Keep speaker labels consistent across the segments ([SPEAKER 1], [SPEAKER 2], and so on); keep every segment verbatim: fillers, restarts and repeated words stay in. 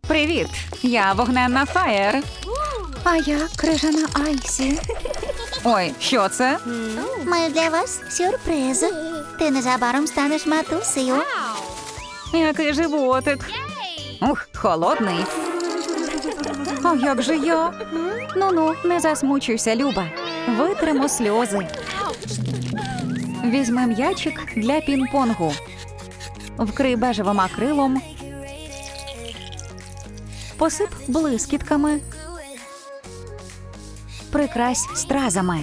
[SPEAKER 1] Привіт! Я вогненна Фаєр.
[SPEAKER 2] А я крижана Айсі.
[SPEAKER 1] Ой, що це?
[SPEAKER 2] Маю для вас сюрприз. Ти незабаром станеш матусею.
[SPEAKER 1] Який животик. Ух, холодний. А як же я? Ну-ну, не засмучуйся, Люба. Витримо сльози. Візьми м'ячик для пінг-понгу. Вкрий бежевим акрилом. Посип блискітками. Прикрась стразами.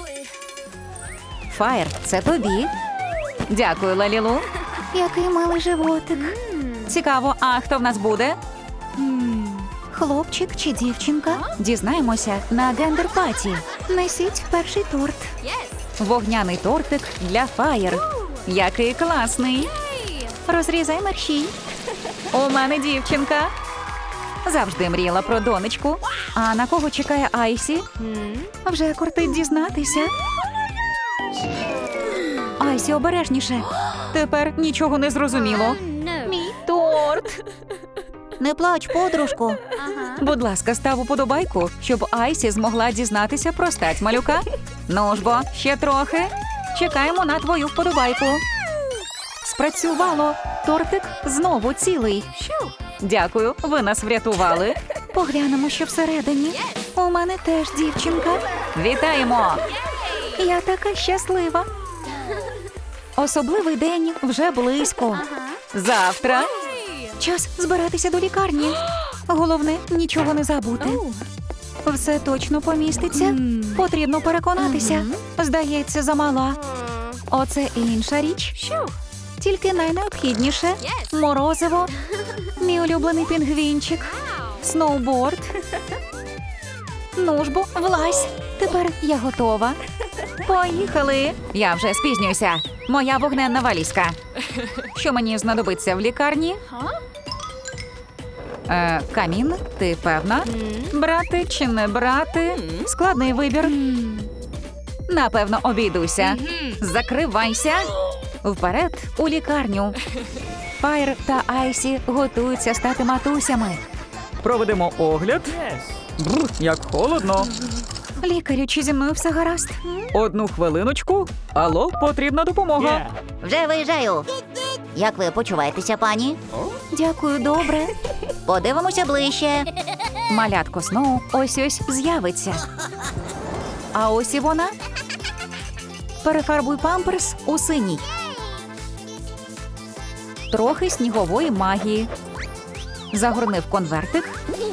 [SPEAKER 1] Фаєр, це тобі. Дякую, Лалілу.
[SPEAKER 2] Який милий животик.
[SPEAKER 1] Цікаво, а хто в нас буде?
[SPEAKER 2] Хлопчик чи дівчинка?
[SPEAKER 1] Дізнаємося на гендер-паті.
[SPEAKER 2] Несіть перший торт.
[SPEAKER 1] Вогняний тортик для Фаєр. Який класний.
[SPEAKER 2] Розрізай мерщій.
[SPEAKER 1] У мене дівчинка. Завжди мріяла про донечку. А на кого чекає Айсі?
[SPEAKER 2] Вже кортить дізнатися.
[SPEAKER 1] Айсі, обережніше. Тепер нічого не зрозуміло. Мій торт.
[SPEAKER 2] Не плач, подружку.
[SPEAKER 1] Будь ласка, став уподобайку, щоб Айсі змогла дізнатися про стать малюка. Ну ж бо, ще трохи. Чекаємо на твою вподобайку. Спрацювало. Тортик знову цілий. Дякую, ви нас врятували.
[SPEAKER 2] Поглянемо, що всередині. У мене теж дівчинка.
[SPEAKER 1] Вітаємо!
[SPEAKER 2] Я така щаслива.
[SPEAKER 1] Особливий день вже близько. Завтра.
[SPEAKER 2] Час збиратися до лікарні. Головне, нічого не забути. Все точно поміститься. Потрібно переконатися. Здається, замала. Оце інша річ. Тільки найнеобхідніше. Морозиво. Мій улюблений пінгвінчик. Сноуборд. Ну ж бо, влазь. Тепер я готова.
[SPEAKER 1] Поїхали. Я вже спізнююся. Моя вогненна валізка. Що мені знадобиться в лікарні? Е, камін, ти певна? Брати чи не брати? Складний вибір. Напевно, обійдуся. Закривайся. Вперед у лікарню. Фаєр та Айсі готуються стати матусями.
[SPEAKER 3] Проведемо огляд. Бррр, як холодно.
[SPEAKER 2] Лікарю, чи зі мною все гаразд?
[SPEAKER 3] Одну хвилиночку. Алло, потрібна допомога.
[SPEAKER 4] Вже виїжджаю. Як ви почуваєтеся, пані?
[SPEAKER 2] Дякую, добре.
[SPEAKER 4] Подивимося ближче.
[SPEAKER 1] Малятко Сноу ось-ось з'явиться. А ось і вона. Перефарбуй памперс у синій. Трохи снігової магії. Загорни в конвертик.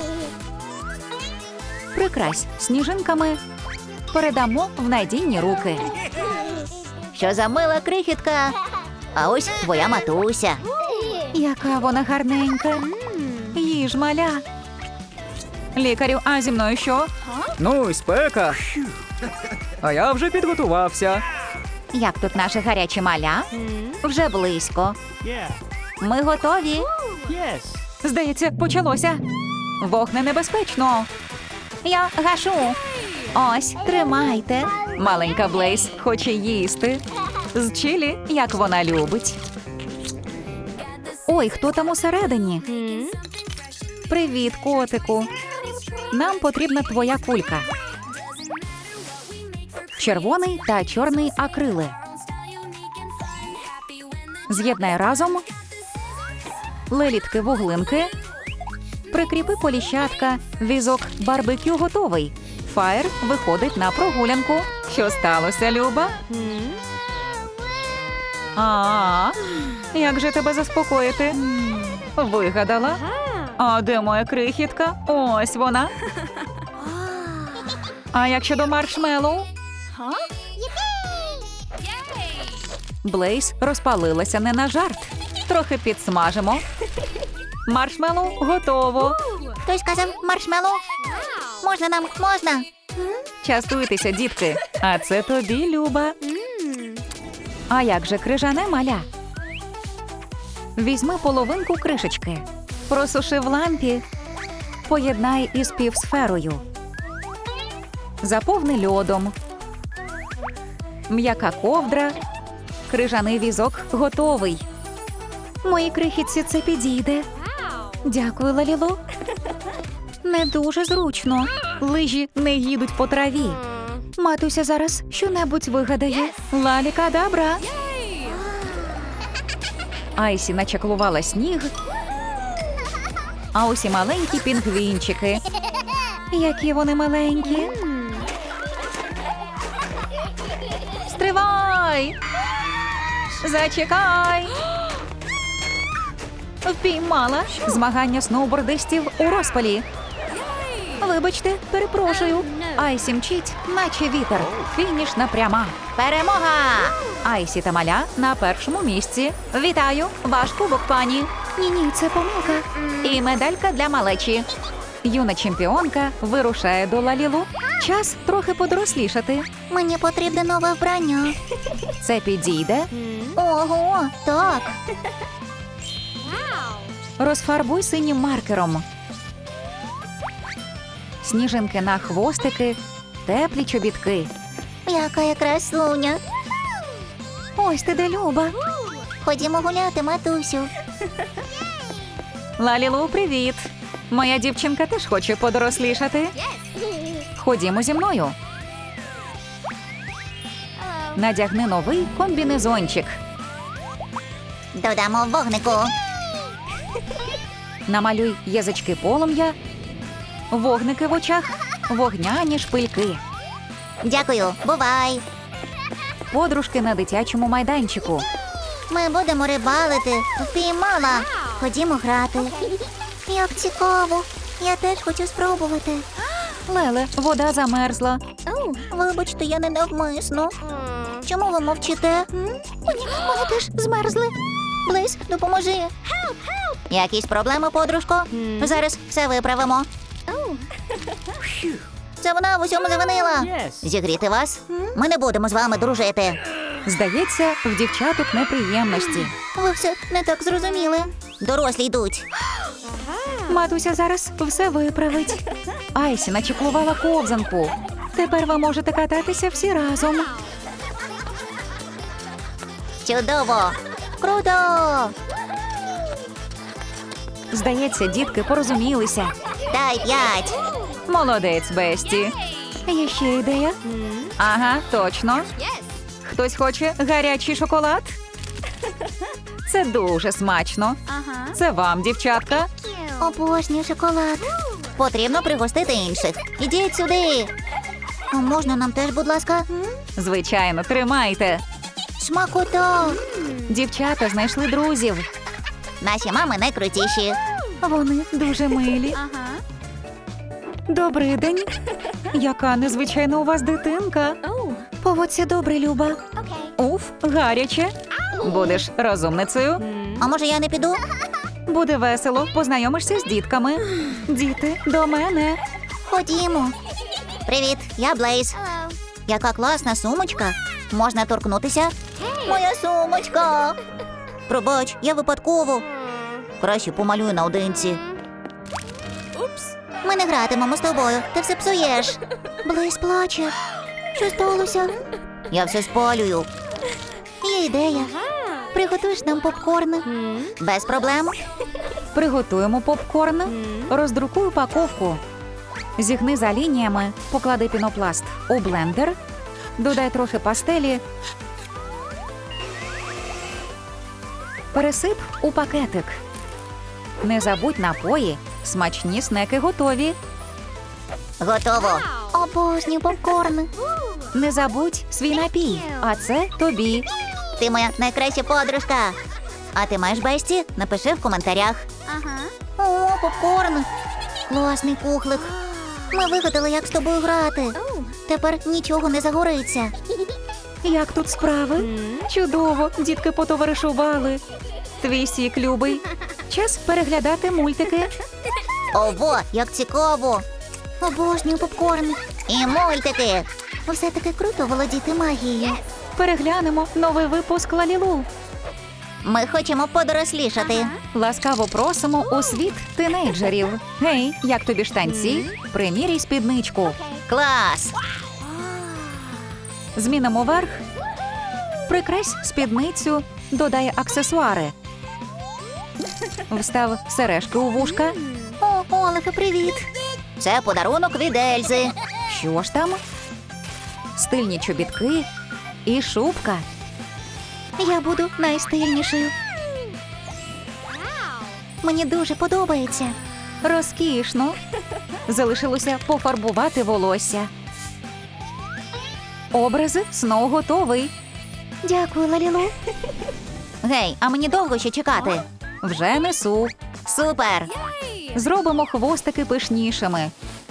[SPEAKER 1] Прикрась сніжинками. Передамо в надійні руки.
[SPEAKER 4] Що за мила крихітка? А ось твоя матуся.
[SPEAKER 1] Яка вона гарненька. Їж, маля. Лікарю, а зі мною що?
[SPEAKER 3] Ну, і спека. А я вже підготувався.
[SPEAKER 1] Як тут наше гаряче маля? Вже близько. Ми готові. Здається, почалося. Вогне небезпечно. Я гашу. Ось, тримайте. Маленька Блейз хоче їсти. З чилі, як вона любить. Ой, хто там усередині? Привіт, котику. Нам потрібна твоя кулька. Червоний та чорний акрили. З'єднай разом. Лелітки-вуглинки. Прикріпи поліщатка. Візок барбекю готовий. Фаєр виходить на прогулянку. Що сталося, Люба? А, як же тебе заспокоїти? Вигадала? А де моя крихітка? Ось вона. А як щодо маршмеллоу? Блейз розпалилася не на жарт. Трохи підсмажимо. Маршмеллоу готово.
[SPEAKER 4] Хтось сказав маршмеллоу? Можна нам, можна?
[SPEAKER 1] Частуйтеся, дітки. А це тобі, Люба. А як же крижане маля? Візьми половинку кришечки. Просуши в лампі. Поєднай із півсферою. Заповни льодом. М'яка ковдра. Крижаний візок готовий.
[SPEAKER 2] Моїй крихітці це підійде. Дякую, Лалілу.
[SPEAKER 1] Не дуже зручно. Лижі не їдуть по траві. Матуся зараз щонебудь вигадає. Лалікадабра. Айсі начаклувала сніг, а ось і маленькі пінгвінчики. Які вони маленькі. Стривай! Зачекай! Впіймала. Змагання сноубордистів у розпалі. Вибачте, перепрошую. Айсі мчить, наче вітер. Фінішна пряма. Перемога! Айсі та Маля на першому місці. Вітаю! Ваш кубок, пані. Ні-ні, це помилка. І медалька для малечі. Юна чемпіонка вирушає до Лалілу. Час трохи подорослішати.
[SPEAKER 2] Мені потрібне нове вбрання.
[SPEAKER 1] Це підійде.
[SPEAKER 2] Ого, так.
[SPEAKER 1] Розфарбуй синім маркером. Сніжинки на хвостики, теплі чобітки.
[SPEAKER 2] Яка я красуня.
[SPEAKER 1] Ось ти де, Люба.
[SPEAKER 2] Ходімо гуляти, матусю.
[SPEAKER 1] Лалілу, привіт. Моя дівчинка теж хоче подорослішати. Ходімо зі мною. Надягни новий комбінезончик.
[SPEAKER 2] Додамо вогнику.
[SPEAKER 1] Намалюй язички полум'я, вогники в очах, вогняні шпильки.
[SPEAKER 2] Дякую, бувай.
[SPEAKER 1] Подружки на дитячому майданчику.
[SPEAKER 2] Ми будемо рибалити. Впіймала. Ходімо грати. Як цікаво. Я теж хочу спробувати.
[SPEAKER 1] Леле, вода замерзла.
[SPEAKER 2] Вибачте, я не навмисно. Чому ви мовчите? Ні, вони теж змерзли. Блейз, допоможи. Якісь проблеми, подружко? Зараз все виправимо. Це вона в усьому завинила. Зігріти вас? Ми не будемо з вами дружити.
[SPEAKER 1] Здається, в дівчаток неприємності.
[SPEAKER 2] Ви все не так зрозуміли. Дорослі йдуть.
[SPEAKER 1] Матуся зараз все виправить. Айсі начеклувала ковзанку. Тепер ви можете кататися всі разом.
[SPEAKER 2] Чудово. Круто.
[SPEAKER 1] Здається, дітки порозумілися.
[SPEAKER 2] Дай п'ять.
[SPEAKER 1] Молодець, Бесті. Є ще ідея? Ага, точно. Хтось хоче гарячий шоколад? Це дуже смачно. Це вам, дівчатка.
[SPEAKER 2] Обожнюю шоколад. Потрібно пригостити інших. Ідіть сюди. А можна нам теж, будь ласка?
[SPEAKER 1] Звичайно, тримайте.
[SPEAKER 2] Смакота.
[SPEAKER 1] Дівчата знайшли друзів.
[SPEAKER 2] Наші мами найкрутіші.
[SPEAKER 1] Вони дуже милі. Добрий день. Яка незвичайна у вас дитинка. Поводься добре, Люба. Уф, гаряче. Будеш розумницею.
[SPEAKER 2] А може я не піду?
[SPEAKER 1] Буде весело, познайомишся з дітками. Діти, до мене.
[SPEAKER 2] Ходімо. Привіт, я Блейз. Яка класна сумочка. Можна торкнутися? Моя сумочка. Пробач, я випадково. Краще помалюю наодинці. Ми не гратимемо з тобою, ти все псуєш. Блейз плаче. Що сталося? Я все спалюю. Є ідея. Приготуєш нам попкорн? Без проблем.
[SPEAKER 1] Приготуємо попкорн. Роздрукуй упаковку. Зігни за лініями, поклади пінопласт у блендер. Додай трохи пастелі. Пересип у пакетик. Не забудь напої. Смачні снеки готові.
[SPEAKER 2] Готово. Обожнюю попкорн.
[SPEAKER 1] Не забудь свій напій. А це тобі.
[SPEAKER 2] Ти моя найкраща подружка. А ти маєш Бесті? Напиши в коментарях. О, попкорн. Класний кухлик. Ми вигадали, як з тобою грати. Тепер нічого не загориться.
[SPEAKER 1] Як тут справи? Чудово, дітки потоваришували. Твій сік, любий. Час переглядати мультики.
[SPEAKER 2] Ого, як цікаво. Обожнюю попкорн. І мультики. Все-таки круто володіти магією.
[SPEAKER 1] Переглянемо новий випуск Лалілу.
[SPEAKER 2] Ми хочемо подорослішати.
[SPEAKER 1] Ласкаво просимо у світ тинейджерів. Гей, як тобі штанці? Приміряй спідничку.
[SPEAKER 2] Клас!
[SPEAKER 1] Змінимо верх. Прикрась спідницю, додай аксесуари. Встав сережки у вушка.
[SPEAKER 2] Ого, Олефе, привіт.
[SPEAKER 4] Це подарунок від Ельзи.
[SPEAKER 1] Що ж там? Стильні чобітки і шубка.
[SPEAKER 2] Я буду найстильнішою. Мені дуже подобається.
[SPEAKER 1] Розкішно. Залишилося пофарбувати волосся. Образ Сноу готовий.
[SPEAKER 2] Дякую, Лалілу.
[SPEAKER 4] Гей, а мені довго ще чекати?
[SPEAKER 1] Вже несу.
[SPEAKER 4] Супер!
[SPEAKER 1] Зробимо хвостики пишнішими.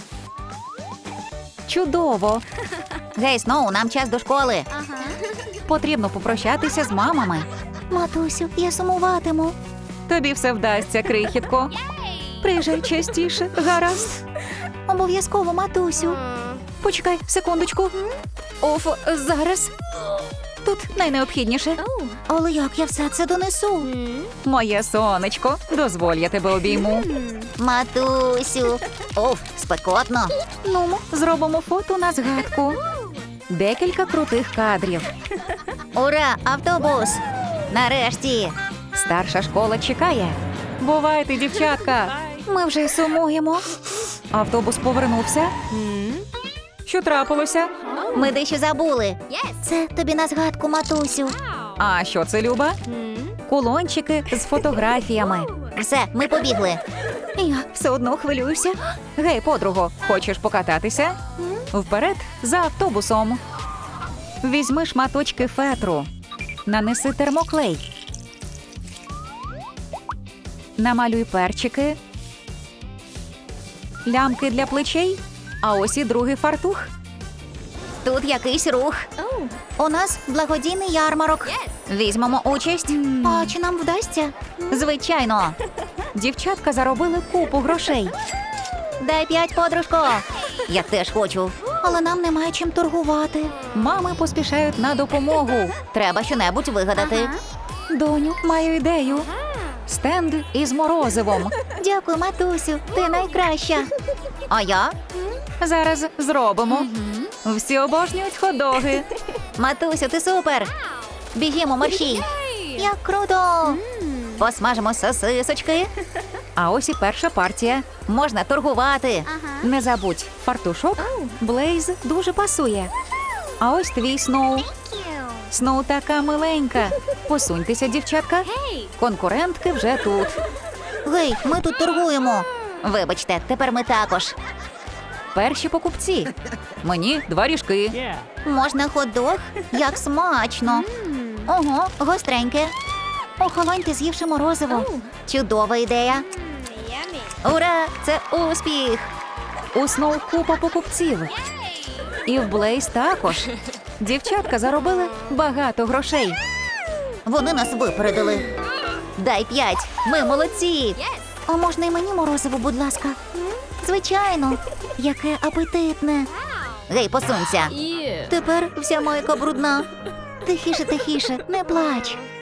[SPEAKER 1] Чудово!
[SPEAKER 4] Гей, Сноу, нам час до школи.
[SPEAKER 1] Потрібно попрощатися з мамами.
[SPEAKER 2] Матусю, я сумуватиму.
[SPEAKER 1] Тобі все вдасться, крихітко. Приїжджай частіше, гаразд.
[SPEAKER 2] Обов'язково, матусю.
[SPEAKER 1] Почекай секундочку. Оф, зараз. Тут найнеобхідніше.
[SPEAKER 2] Але як я все це донесу?
[SPEAKER 1] Моє сонечко, дозволь, я тебе обійму.
[SPEAKER 4] Матусю. Оф, спекотно.
[SPEAKER 1] Ну, зробимо фото на згадку. Декілька крутих кадрів.
[SPEAKER 4] Ура, автобус! Нарешті!
[SPEAKER 1] Старша школа чекає. Бувайте, дівчатка. Ми вже й сумуємо. Автобус повернувся. Що трапилося?
[SPEAKER 4] Ми дещо забули.
[SPEAKER 2] Це тобі на згадку, матусю.
[SPEAKER 1] А що це, Люба? Кулончики з фотографіями.
[SPEAKER 4] Все, ми побігли.
[SPEAKER 1] Я все одно хвилююся. Гей, подруго, хочеш покататися? Вперед за автобусом. Візьми шматочки фетру. Нанеси термоклей. Намалюй перчики. Лямки для плечей. А ось і другий фартух.
[SPEAKER 4] Тут якийсь рух.
[SPEAKER 2] У нас благодійний ярмарок.
[SPEAKER 4] Візьмемо участь.
[SPEAKER 2] А чи нам вдасться?
[SPEAKER 4] Звичайно.
[SPEAKER 1] Дівчатка заробили купу грошей.
[SPEAKER 4] Дай п'ять, подружко. Я теж хочу.
[SPEAKER 2] Але нам немає чим торгувати.
[SPEAKER 1] Мами поспішають на допомогу.
[SPEAKER 4] Треба щонебудь вигадати.
[SPEAKER 1] Доню, маю ідею. Стенд із морозивом.
[SPEAKER 2] Дякую, матусю. Ти найкраща.
[SPEAKER 4] А я?
[SPEAKER 1] Зараз зробимо. Всі обожнюють хот-доги.
[SPEAKER 4] Матусю, ти супер. Бігімо, мерщій.
[SPEAKER 2] Як круто!
[SPEAKER 4] Посмажимо сосисочки.
[SPEAKER 1] А ось і перша партія.
[SPEAKER 4] Можна торгувати.
[SPEAKER 1] Не забудь, фартушок Блейз дуже пасує. А ось твій Сноу. Сноу така миленька. Посуньтеся, дівчатка. Конкурентки вже тут.
[SPEAKER 2] Гей, ми тут торгуємо.
[SPEAKER 4] Вибачте, тепер ми також.
[SPEAKER 1] Перші покупці. Мені два ріжки.
[SPEAKER 2] Можна хот-дог? Як смачно.
[SPEAKER 4] Ого, гостреньке.
[SPEAKER 2] Охолоньте, з'ївши морозиво.
[SPEAKER 4] Чудова ідея. Ура, це успіх.
[SPEAKER 1] У Сноу купа покупців. І в Блейз також. Дівчатка заробили багато грошей.
[SPEAKER 2] Вони нас випередили.
[SPEAKER 4] Дай п'ять. Ми молодці.
[SPEAKER 2] А можна і мені морозиво, будь ласка? Звичайно. Яке апетитне.
[SPEAKER 4] Гей, посунься.
[SPEAKER 2] Тепер вся майка брудна. Тихіше, тихіше, не плач.